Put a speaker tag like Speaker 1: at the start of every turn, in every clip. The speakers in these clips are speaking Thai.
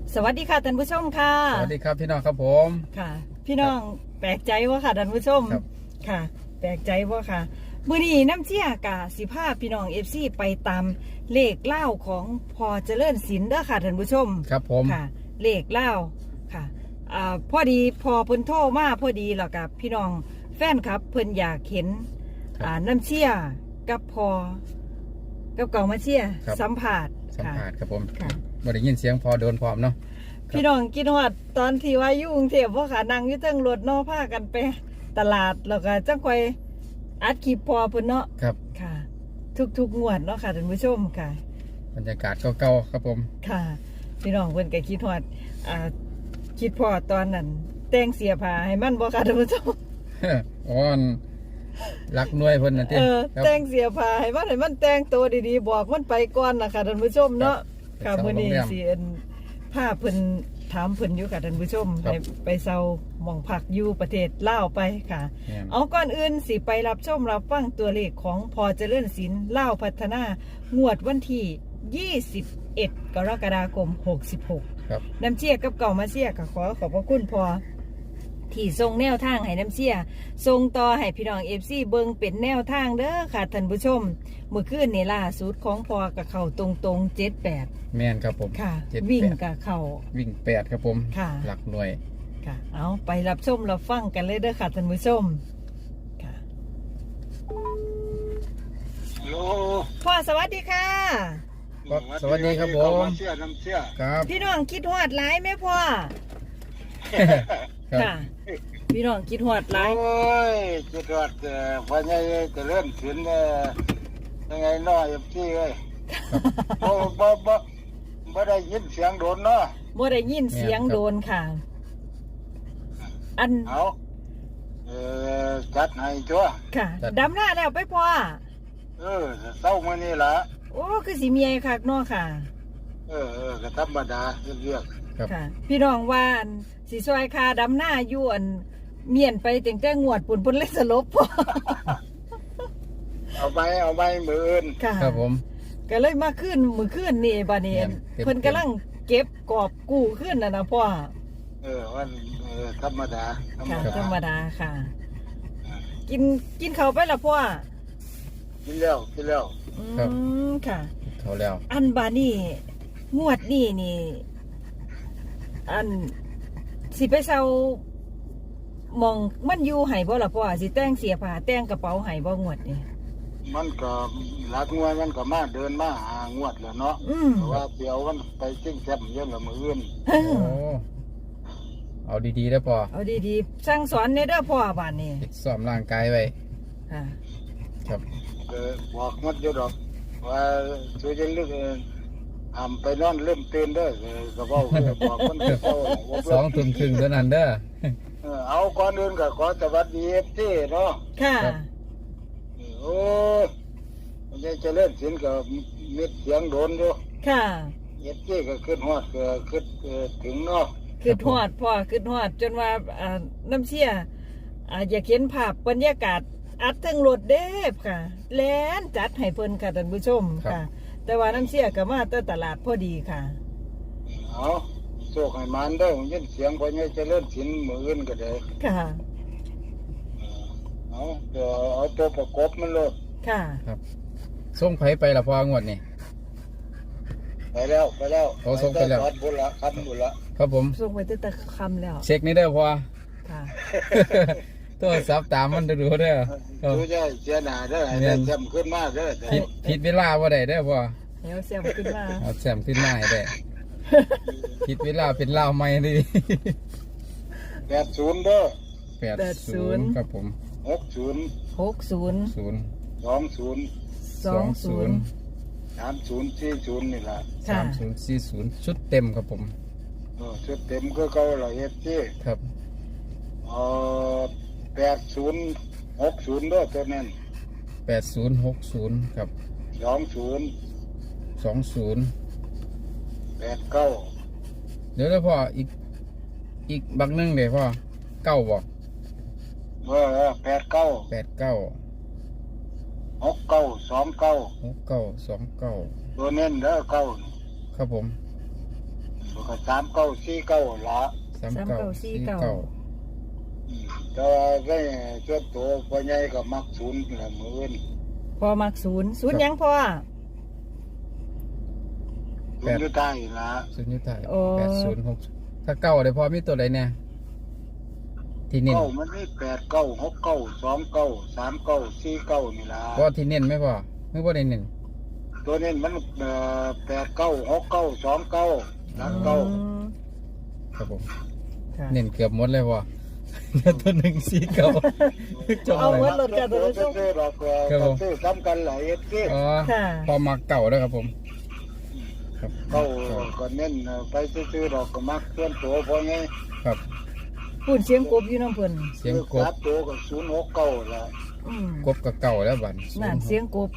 Speaker 1: สวัสดีค่ะท่านผู้ชมค่ะ
Speaker 2: สวัสดีครับพี่น้องครับผม
Speaker 1: ค่ะ พี่น้องแปลกใจว่าค่ะท่านผู้ชม
Speaker 2: ครับ
Speaker 1: ค่ะ แปลกใจว่าค่ะมื้อนี้น้ำเชี่ยกะสิพาพี่น้องFCไปตามเลขเล่าของพอเจริญศิลป์เด้อค่ะท่านผู้ชม
Speaker 2: ครับผม
Speaker 1: ค่ะ เลขเล่าค่ะพอดีพอเพิ่นโทรมาพอดีแล้วกับพี่น้องแฟนครับเพิ่นอยากเห็นน้ำเชี่ยกับพอกับเก่ามาเชี่ยสัมผัส
Speaker 2: สัมภาษณ์ครับผม
Speaker 1: ค่ะ
Speaker 2: บ่ได้ยินเสียงพอโดนพร้อมเนาะ
Speaker 1: พี่น้องกินฮอดตอนที่ว่าอยู่กรุงเทพพ่อขานั่งอยู่เทิงรถเนาะพากันไปตลาดแล้วก็จังค่อยอัดคลิปพอเพิ่นเนาะ
Speaker 2: ครับ
Speaker 1: ค่ะ ทุกงวดเนาะค่ะท่านผู้ชมค่ะ
Speaker 2: บรรยากาศเก่าๆครับผม
Speaker 1: ค่ะ พี่น้องเพิ่นก็คิดฮอดคิดพอตอนนั้นแต่งเสียผ้าให้มันบ่ค่ะท่านผู้ชม
Speaker 2: อ่อนรักหน่วยเพิ่นน่ะติครับ
Speaker 1: แต่งเสียผ้าให้มันแต่งตัวดีๆบอกมันไปก่อนนะคะท่านผู้ชมเนาะ
Speaker 2: ครับ
Speaker 1: ค่ะมื้อนี้
Speaker 2: โรงแรม
Speaker 1: สิพาเพิ่นถามเพิ่นอยู่ค่ะท่านผู้ชม
Speaker 2: ครับ
Speaker 1: ไปเซาหม่องพักอยู่ประเทศลาวไปค่ะ
Speaker 2: แม่น
Speaker 1: เอาก่อนอื่นสิไปรับชมรับฟังตัวเลขของพอเจริญศิลป์ลาวพัฒนางวดวันที่ 21 กรกฎาคม 66
Speaker 2: ครับ
Speaker 1: น้ำเชี่ยกับเก่ามาเชี่ยก็ขอขอบพระคุณพอที่ทรงแนวทางให้น้ำเชี่ยทรงต่อให้พี่น้องเอฟซีเบิงเป็นแนวทางเด้อค่ะท่านผู้ชมเมื่อคืนนี่ล่าสุดของพอกับเข่าตรงๆ78
Speaker 2: แม่นครับผม
Speaker 1: ค่ะ
Speaker 2: 78
Speaker 1: วิ่งกับเข่า
Speaker 2: วิ่ง8ครับผม
Speaker 1: ค่ะ
Speaker 2: หลักหน่วย
Speaker 1: ค่ะ เอาไปรับชมรับฟังกันเลยเด้อค่ะท่านผู้ชมค่ะ
Speaker 3: ฮัลโหล
Speaker 1: พ่อสวัสดีค่ะ
Speaker 2: สวัสดีครับผม
Speaker 3: น้ำเชื่อน้ำเชื่อ
Speaker 2: ครับ
Speaker 1: พี่น้องคิดฮอดหลายไหมพ่อ
Speaker 2: ครับ
Speaker 1: ค่ะ พี่น้องคิดฮอดหลาย
Speaker 3: โอ้ยจุดวัดวันนี้จะเริ่มถึงยังไงน้อยพี่เอ้ยบ่ได้ยินเสียงโดนเนาะ
Speaker 1: บ่ได้ยินเสียงโดนค่ะ อัน
Speaker 3: เอาจัดให้จ้ว
Speaker 1: ค่ะดำหน้าแล้วไปพ่อ
Speaker 3: เศร้ามื้อนี้ล่ะ
Speaker 1: โอ้คือสิเมียคักเนาะค่ะ
Speaker 3: ก็ธรรมดาเรียก
Speaker 2: ครับ
Speaker 1: ค่ะ พี่น้องว่าอันสิซอยคาดำหน้าอยู่อันเมียนไปตั้งแต่งวดปุ่นเลยสลบพ่อ
Speaker 3: เอาไปมืออื่น
Speaker 1: ค่ะ
Speaker 2: ครับผม
Speaker 1: ก็เลยมาขึ้นมือขึ้นนี่บานี้
Speaker 2: เต็ม
Speaker 1: เพิ่นกำลังเก็บกอบกู้ขึ้นนะพ่อ
Speaker 3: วันธรรมดา
Speaker 1: ค่ะธรรมดาค่ะ กินเขาวไปละพ่อ
Speaker 3: กินแล้ว
Speaker 1: อืมค่ะ
Speaker 2: เขาแล้ว
Speaker 1: อันบานี่งวดนี่นี่ อันสิไปเซามองมันอยู่ไห้บ่ล่ะพ่อสิแต่งเสียผ้าแต่งกระเป๋าไห้บ่งวดนี่
Speaker 3: มันก็หลักงวดมันก็มาเดินมาหางวดแล้วเนาะ
Speaker 1: อืม
Speaker 3: เพราะว่าเดี๋ยวมันไปจิ้งแซมเยอะละมืออื่น
Speaker 1: เอ
Speaker 2: โอ้
Speaker 1: อ
Speaker 2: เอาดีๆเด้อพอ
Speaker 1: เอาดีๆสั่งสอนในเด้อพ่อบานนี้
Speaker 2: ฝึกซ้อมร่างกายไว้
Speaker 1: ค่ะ
Speaker 2: ครับ
Speaker 3: บอกมัดอยู่ดอกว่าช่วยจะลึกไปนอนเริ่มตื่นเด้อก็บอกบอกคนเก่า
Speaker 2: 2 ทุ่มครึ่งเท่านั้นเด้อ
Speaker 3: เอาก่อนอื่นก็ขอสวัสดีFTเนาะ
Speaker 1: ค่ะ
Speaker 2: ครับ
Speaker 3: โอ้มันจะเล่นสินก็มีเสียงโดนอยู่
Speaker 1: ค่ะ
Speaker 3: FTก็ขึ้นฮอดก็ขึ้นถึงเนาะ
Speaker 1: คือทอดพ่อคือทอดจนว่าน้ำเชี่ยอยากเห็นภาพบรรยากาศอัดทั้งรถเด้บค่ะแล่นจัดให้เพิ่นค่ะท่านผู้ชมค่ะ แต่ว่าน้ำเชี่ยก็มาแต่ตลาดพอดีค่ะ
Speaker 3: เอาโชคให้มันเด้อยินเสียงพอเนี่ยจะเล่นสินมืออื่นก็ได้
Speaker 1: ค่ะ
Speaker 3: เอาตัวประกบมันเลย
Speaker 1: ค่ะ
Speaker 2: ส่งไผไปละพองวดนี่
Speaker 3: ไปแล้ว
Speaker 2: เอาส่งไปแล้ว
Speaker 3: จอดบุญละคันบุญละ
Speaker 2: ครับผม
Speaker 1: ส่งไปตั้งแต่คำแล้ว
Speaker 2: เช็คนี่เด้อพอ
Speaker 1: ค่ะ
Speaker 2: โทรศัพท์ตามมันดูเด้อครับ
Speaker 3: ดูใจเสียหน้าเด้อให้ได้จำขึ้นมาเด้อ
Speaker 2: ผิดเวลาบ่ได้เด้อพอ
Speaker 1: แล้วเสียมขึ้นมา
Speaker 2: เอาแซมขึ้นมาให้ได้ผิดเวลาเป็นลาวใหม่ดิ
Speaker 3: 80เด้อ
Speaker 2: 80ครับผม
Speaker 3: 60
Speaker 1: 60
Speaker 2: 0
Speaker 1: 20
Speaker 3: 3040นี่ล่ะ
Speaker 1: ค่ะ
Speaker 2: 3040ชุดเต็มครับผม
Speaker 3: ชุดเต็มก็เก่าละเฮ็ดที่
Speaker 2: ครับ
Speaker 3: 8060เด้อตัวนั้น
Speaker 2: 8060ครับ
Speaker 3: 20
Speaker 2: 20
Speaker 3: 89
Speaker 2: เดี๋ยวพ่ออีกบักหนึงเด้พ่อ9บ่
Speaker 3: 89
Speaker 2: 89
Speaker 3: 6929
Speaker 2: 6929
Speaker 3: ตัวเน้นเด้อเก้า
Speaker 2: ครับผม
Speaker 3: ตัวก็3949ละ แต่ว่าก็ส่วนตัวพ่อใหญ่ก็มักศูนย์ละมื้ออื่น
Speaker 1: พอมักศูนย์หยังพอ
Speaker 3: ศูนย์อยู่ใต้ละ
Speaker 2: ศูนย์ยุทธาย
Speaker 1: โอ้
Speaker 2: 806ถ้าเก้าได้พอมีตัวใดแน่ที่เน้น
Speaker 3: เก้ามันมี8969393949นี่ล่ะ
Speaker 2: พอที่เน้นไหมพ่อไม่พอได้เน้น
Speaker 3: ตัวนี้มัน896929หลังเก้า
Speaker 2: ครับผม
Speaker 1: ค่ะ
Speaker 2: เน้นเกือบหมดเลยพ่อ เหลือตัวหนึ่งสี่เก้าจบ
Speaker 1: เอา
Speaker 2: เลย
Speaker 1: หมดรถกันตัวชม
Speaker 3: ซื้อดอก
Speaker 2: ครับผม
Speaker 3: ซื้อซ้ำกันหลายที่
Speaker 2: อ๋อ
Speaker 1: ค่ะ
Speaker 2: พอมาเก่าแล้วครับผมครับ
Speaker 3: เก้าก็เน้นไปซื้อดอกก็มักส่วนตัวพอไง
Speaker 2: ครับ
Speaker 1: พูดเสียงกบอยู่น้ำเพิ่น
Speaker 2: เสียงกบ
Speaker 3: ซับตัวก็069ละ
Speaker 1: อืม
Speaker 2: กบกับเก่าแล้วบัด
Speaker 1: นั่นเสียงกบ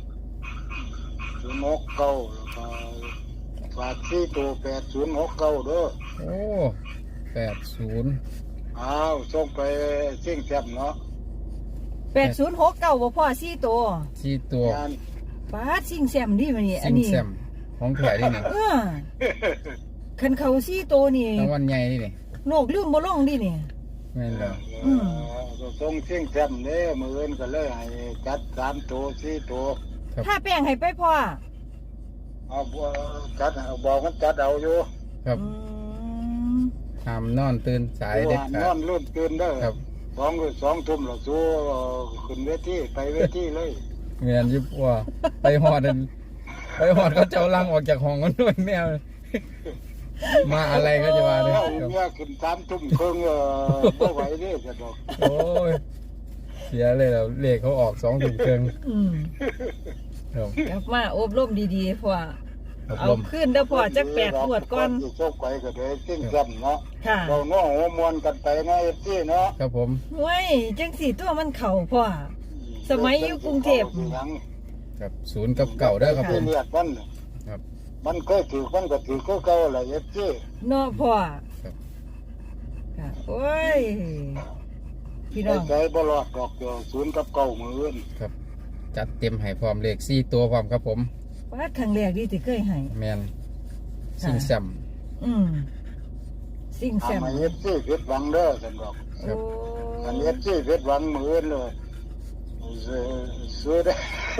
Speaker 3: 069แล้วก็ฝากที่ตัว8069เด้อ
Speaker 2: โอ้80
Speaker 3: อ้าวส่งไปเชียงแจ่มเนาะ
Speaker 1: 8069บ่พ่อ4ตัว
Speaker 2: สี่ตัว
Speaker 3: งาน
Speaker 1: ป้าดซิงแซมดิมันนี่อั
Speaker 2: ซิ
Speaker 1: น
Speaker 2: ง
Speaker 1: นี้
Speaker 2: แซมของแถนี่นี่
Speaker 1: คันเขา4ตัวนี่
Speaker 2: รางวัลใหญ่นี่นี่
Speaker 1: โลกลืมบ่ลงดินี่
Speaker 2: แม่นแล้ว
Speaker 3: ส่งเชียงแจ่มเนี่ยมื้ออื่นก็เลยให้จัด3ตัว4ตัว
Speaker 1: ถ้าแป้งให้ไปพ่อ
Speaker 3: เอาบ่จัดเอาบอกมันจัดเอาอยู่
Speaker 2: ครับ
Speaker 1: อืม
Speaker 2: ห้ามนอนตื่นสายเด็ด
Speaker 3: น
Speaker 2: ขา
Speaker 3: อ
Speaker 2: ด
Speaker 3: นรุ่นตื่นเด้อ
Speaker 2: ครับ
Speaker 3: 2 ทุ่มแล้วสู้ขึ้นเวทีไปเวทีเลย
Speaker 2: แม่นยิบว่าไปหอดนั่นไปหอดเขาเจ้าลังออกจากห้องกันด้วยแมวมาอะไรก็จะมาเลย
Speaker 3: เอา
Speaker 2: ครับ
Speaker 3: เมียขึ้น3 ทุ่มครึ่งบ่ไหวเด้อจะดอก
Speaker 2: โอ้ยเสียเลยแล้วเลขเขาออก2 ถุงเครื่อง
Speaker 1: อืม
Speaker 2: ครับ
Speaker 1: กลับมาอบรมดีๆพ่อ
Speaker 2: อบ
Speaker 1: เอา
Speaker 2: รม
Speaker 1: ขึ้นเด้อพ่อจัก8ขวดก่อน
Speaker 3: สิโชคไปก็ได้สิ้นซ้ำเนาะ
Speaker 1: ค่ะ
Speaker 3: เราเนาะหัวมวนกันไปเนาะ FC เนาะ
Speaker 2: ครับผม
Speaker 1: เว้ยจังสี่ตัวมันเข่าพ่อ สมัยอยู่กรุงเทพ
Speaker 2: ครับ0กับเก่าได้อครับผม
Speaker 3: เรียกมัน
Speaker 2: ครับ
Speaker 3: มันเคยถือมันก็ถือคือเก่าแหละ FC
Speaker 1: เนาะพ่อ
Speaker 2: ครับ
Speaker 1: ค่ะโอ้ย พี่น้อง
Speaker 3: ใจบ่รอดดอกเดียว0กับ9มื้ออื่น
Speaker 2: ครับ จัดเต็มให้พร้อมเลข4ตัวพร้อมครับผม
Speaker 1: ว่าครั้งแรกที่ที่เคยให้
Speaker 2: แมนซิงแซม
Speaker 1: อืมสิ่งแซม
Speaker 3: ทำให้ FC ผิดหวังเด้อซั่นดอก
Speaker 1: โอ้
Speaker 3: อัน FC ผิดหวังมื้ออื่นเลยซื้อได้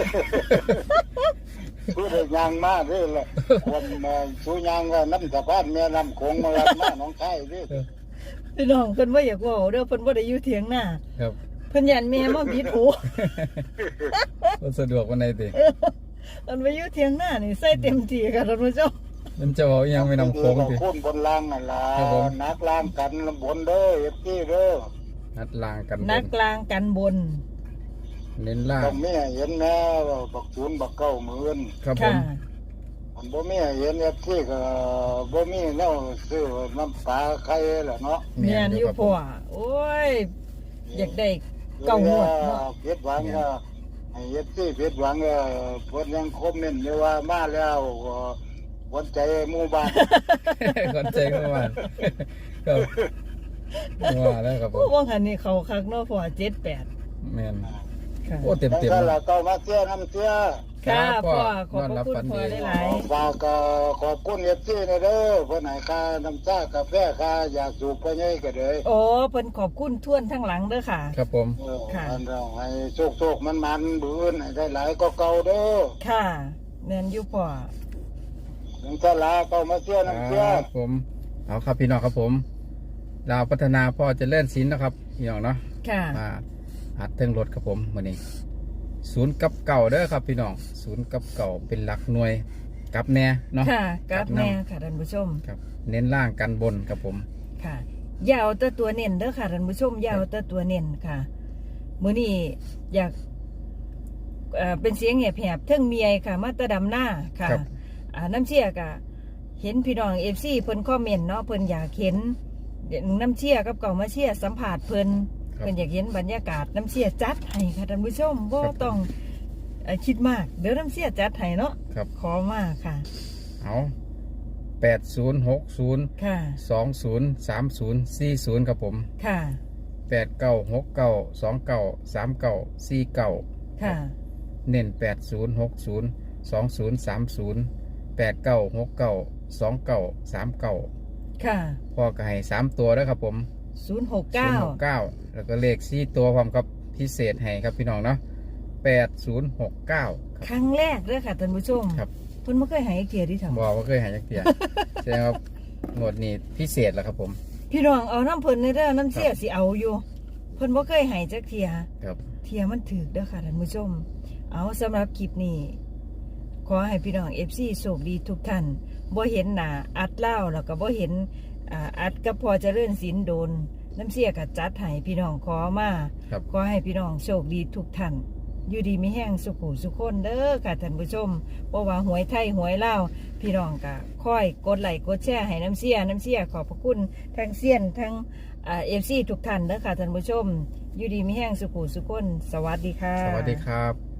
Speaker 3: ซื้อได้ยางมาเด้อล่ะคนซื้อยางก็น้ำสะพานแม่น้ำโขงมารับมาหนองคายเด้อ
Speaker 1: พี่น้องเพิ่นว่าอยากเว่าเด้อเพิ่นบ่ได้อยู่เถียงหน้า
Speaker 2: ครับ
Speaker 1: เพิ่นยันแม่มาบิดหู
Speaker 2: ก็สะดวกวันไหนติ
Speaker 1: มันไปอยู่เถียงหน้านี่ใส่เต็มที่ค่ะท่านผู้ชม
Speaker 2: มันจะเอาอิหยังไปนำโค้งติ
Speaker 3: โค้งบนล่างนั่นล่ะ
Speaker 2: ครับผม
Speaker 3: นักล่างกันบนเด้อ FC เด้อ
Speaker 2: นัดลางกันบ
Speaker 1: นัก
Speaker 2: น
Speaker 1: กลางกันบน
Speaker 2: เน้นล่าง
Speaker 3: ต้องมีให้เห็นแน่ว่าบักศูนย์บักเก้าหมื่น
Speaker 2: ครับผ
Speaker 1: ค่ะ
Speaker 2: ม
Speaker 3: อันบ่มีให้เห็นเอฟซีก็บ่มีแนวซื้อน้ำปลาไข่ล่ะเนาะ
Speaker 1: แม่นอยู่พ่อโอ้ย อยากได้เก้าหมวดเนาะ
Speaker 3: เพ็ดหวังก็ให้เอฟซีเพ็ดหวังก็เพิ่นยังคอมเมนต์อยู่ว่ามาแล้วก็วันใจหมู่บ้าน
Speaker 2: ก่อนใจเมื่อวานครับว่าแล้วครับผ
Speaker 1: โอ้
Speaker 2: ม
Speaker 1: ว่าหันนี่เขาคักเนาะพ่อ78
Speaker 2: แมน
Speaker 1: ค่ะ
Speaker 2: โอ้เต็ม
Speaker 3: จัง
Speaker 2: เต็ม
Speaker 3: ซั่นล่ะเก้ามาเสียน้ำเสีย
Speaker 1: ค่ะพ่อขอบ
Speaker 2: นอน
Speaker 1: พ
Speaker 2: รั
Speaker 1: ระ
Speaker 2: บ
Speaker 1: คุณ
Speaker 2: ฝัน
Speaker 1: พ่อ
Speaker 2: ดี
Speaker 1: หลาย
Speaker 3: ฝากก็ขอบคุณเอฟซีนะเด้อเพิ่นให้ค่าน้ำชากาแฟค่าอยากสูบไปไงก็ได้
Speaker 1: โอ้เพิ่นขอบคุณท่วนทั้งหลังเด้อค่ะ
Speaker 2: ครับผม
Speaker 1: ค่ะ
Speaker 3: อันเราให้โชคมันบืนให้ได้หลายก็เก่าเด้อ
Speaker 1: ค่ะแม่นอยู่พ่อ
Speaker 3: ถึงจะลาเก่ามาเสียน้ำเสีย
Speaker 2: ครับผมเอาครับพี่น้องครับผมลาวพัฒนาพ่อเจริญศิลป์นะครับพี่น้องเนาะ
Speaker 1: ค่ะ
Speaker 2: มาอัดเทิงรถครับผมวันนี้0กับเก่าเด้อครับพี่น้อง0กับเก่าเป็นหลักหน่วยกับแน่เนาะ
Speaker 1: ค่ะกราบแม่
Speaker 2: กราบนำ
Speaker 1: ค่ะท่านผู้ชม
Speaker 2: ครับ เน้นล่างกันบนครับผม
Speaker 1: ค่ะอยาวแต่ตัวเน้นเด้อค่ะท่านผู้ชมอยาวแต่ตัวเน้นค่ะมื้อนี้อยากเป็นเสียงแหบๆเทิงเมียค่ะ มาแตะดำหน้าค่ะ
Speaker 2: ครับ
Speaker 1: น้ำเชี่ยกะเห็นพี่น้อง FC เพิ่นคอมเมนต์เนาะเพิ่นอยากเห็นน้ำเชี่ยกับเก่ามาเชี่ยสัมผัสเพิ่น
Speaker 2: ครับ
Speaker 1: เพิ่นอยากเห็นบรรยากาศน้ำเชี่ยจัดให้ค่ะท่านผู้ชมบ่
Speaker 2: ครับ
Speaker 1: ต้องคิดมากเดี๋ยวน้ำเชี่ยจัดให้เนาะ
Speaker 2: ครับ
Speaker 1: ขอมาค่ะ
Speaker 2: เอา8060
Speaker 1: ค่ะ
Speaker 2: 203040ครับผม
Speaker 1: ค่ะ
Speaker 2: 896929394949
Speaker 1: ค่ะ
Speaker 2: เน้น80602030 8969293939
Speaker 1: ค่ะ
Speaker 2: พ่อก็ให้3ตัวแล้วครับผม
Speaker 1: 069
Speaker 2: 069แล้วก็เลข4ตัวพร้อมกับพิเศษให้ครับพี่น้องเนาะ8069
Speaker 1: ครั้งแรกเด้อค่ะท่านผู้ชม
Speaker 2: ครับ
Speaker 1: เพิ่นบ่เคยให้เกียรติที่ทำ
Speaker 2: บอกว่าเคยหายจากเตีย แสดงว่างวดนี้พิเศษแล้วครับผม
Speaker 1: พี่น้องเอาน้ำเพิ่นในเด้อน้ำเสียสิเอาอยู่เพิ่นบ่เคยให้จักเที่ย
Speaker 2: ครับ
Speaker 1: เที่ยมันถึกเด้อค่ะท่านผู้ชม เอาสำหรับคลิปนี้ขอให้พี่น้อง FC โชคดีทุกท่านบ่เห็นหน้าอัดเล่าแล้วก็บ่เห็นอัดกับพอเจริญศิลป์โดนน้ำเสียก็จัดให้พี่น้องขอมา
Speaker 2: ครับ
Speaker 1: ขอให้พี่น้องโชคดีทุกท่านอยู่ดีมีแห้งสุขุสุขคนเด้อค่ะท่านผู้ชมเพราะว่าหวยไทยหวยลาวพี่น้องก็ค่อยกดไลค์กดแชร์ให้น้ำเสียขอบพระคุณทั้งเซียนทั้งFC ทุกท่านเด้อค่ะท่านผู้ชมอยู่ดีมีแห้งสุขุสุขคนสวัสดีค่ะ
Speaker 2: สวัสดีครับ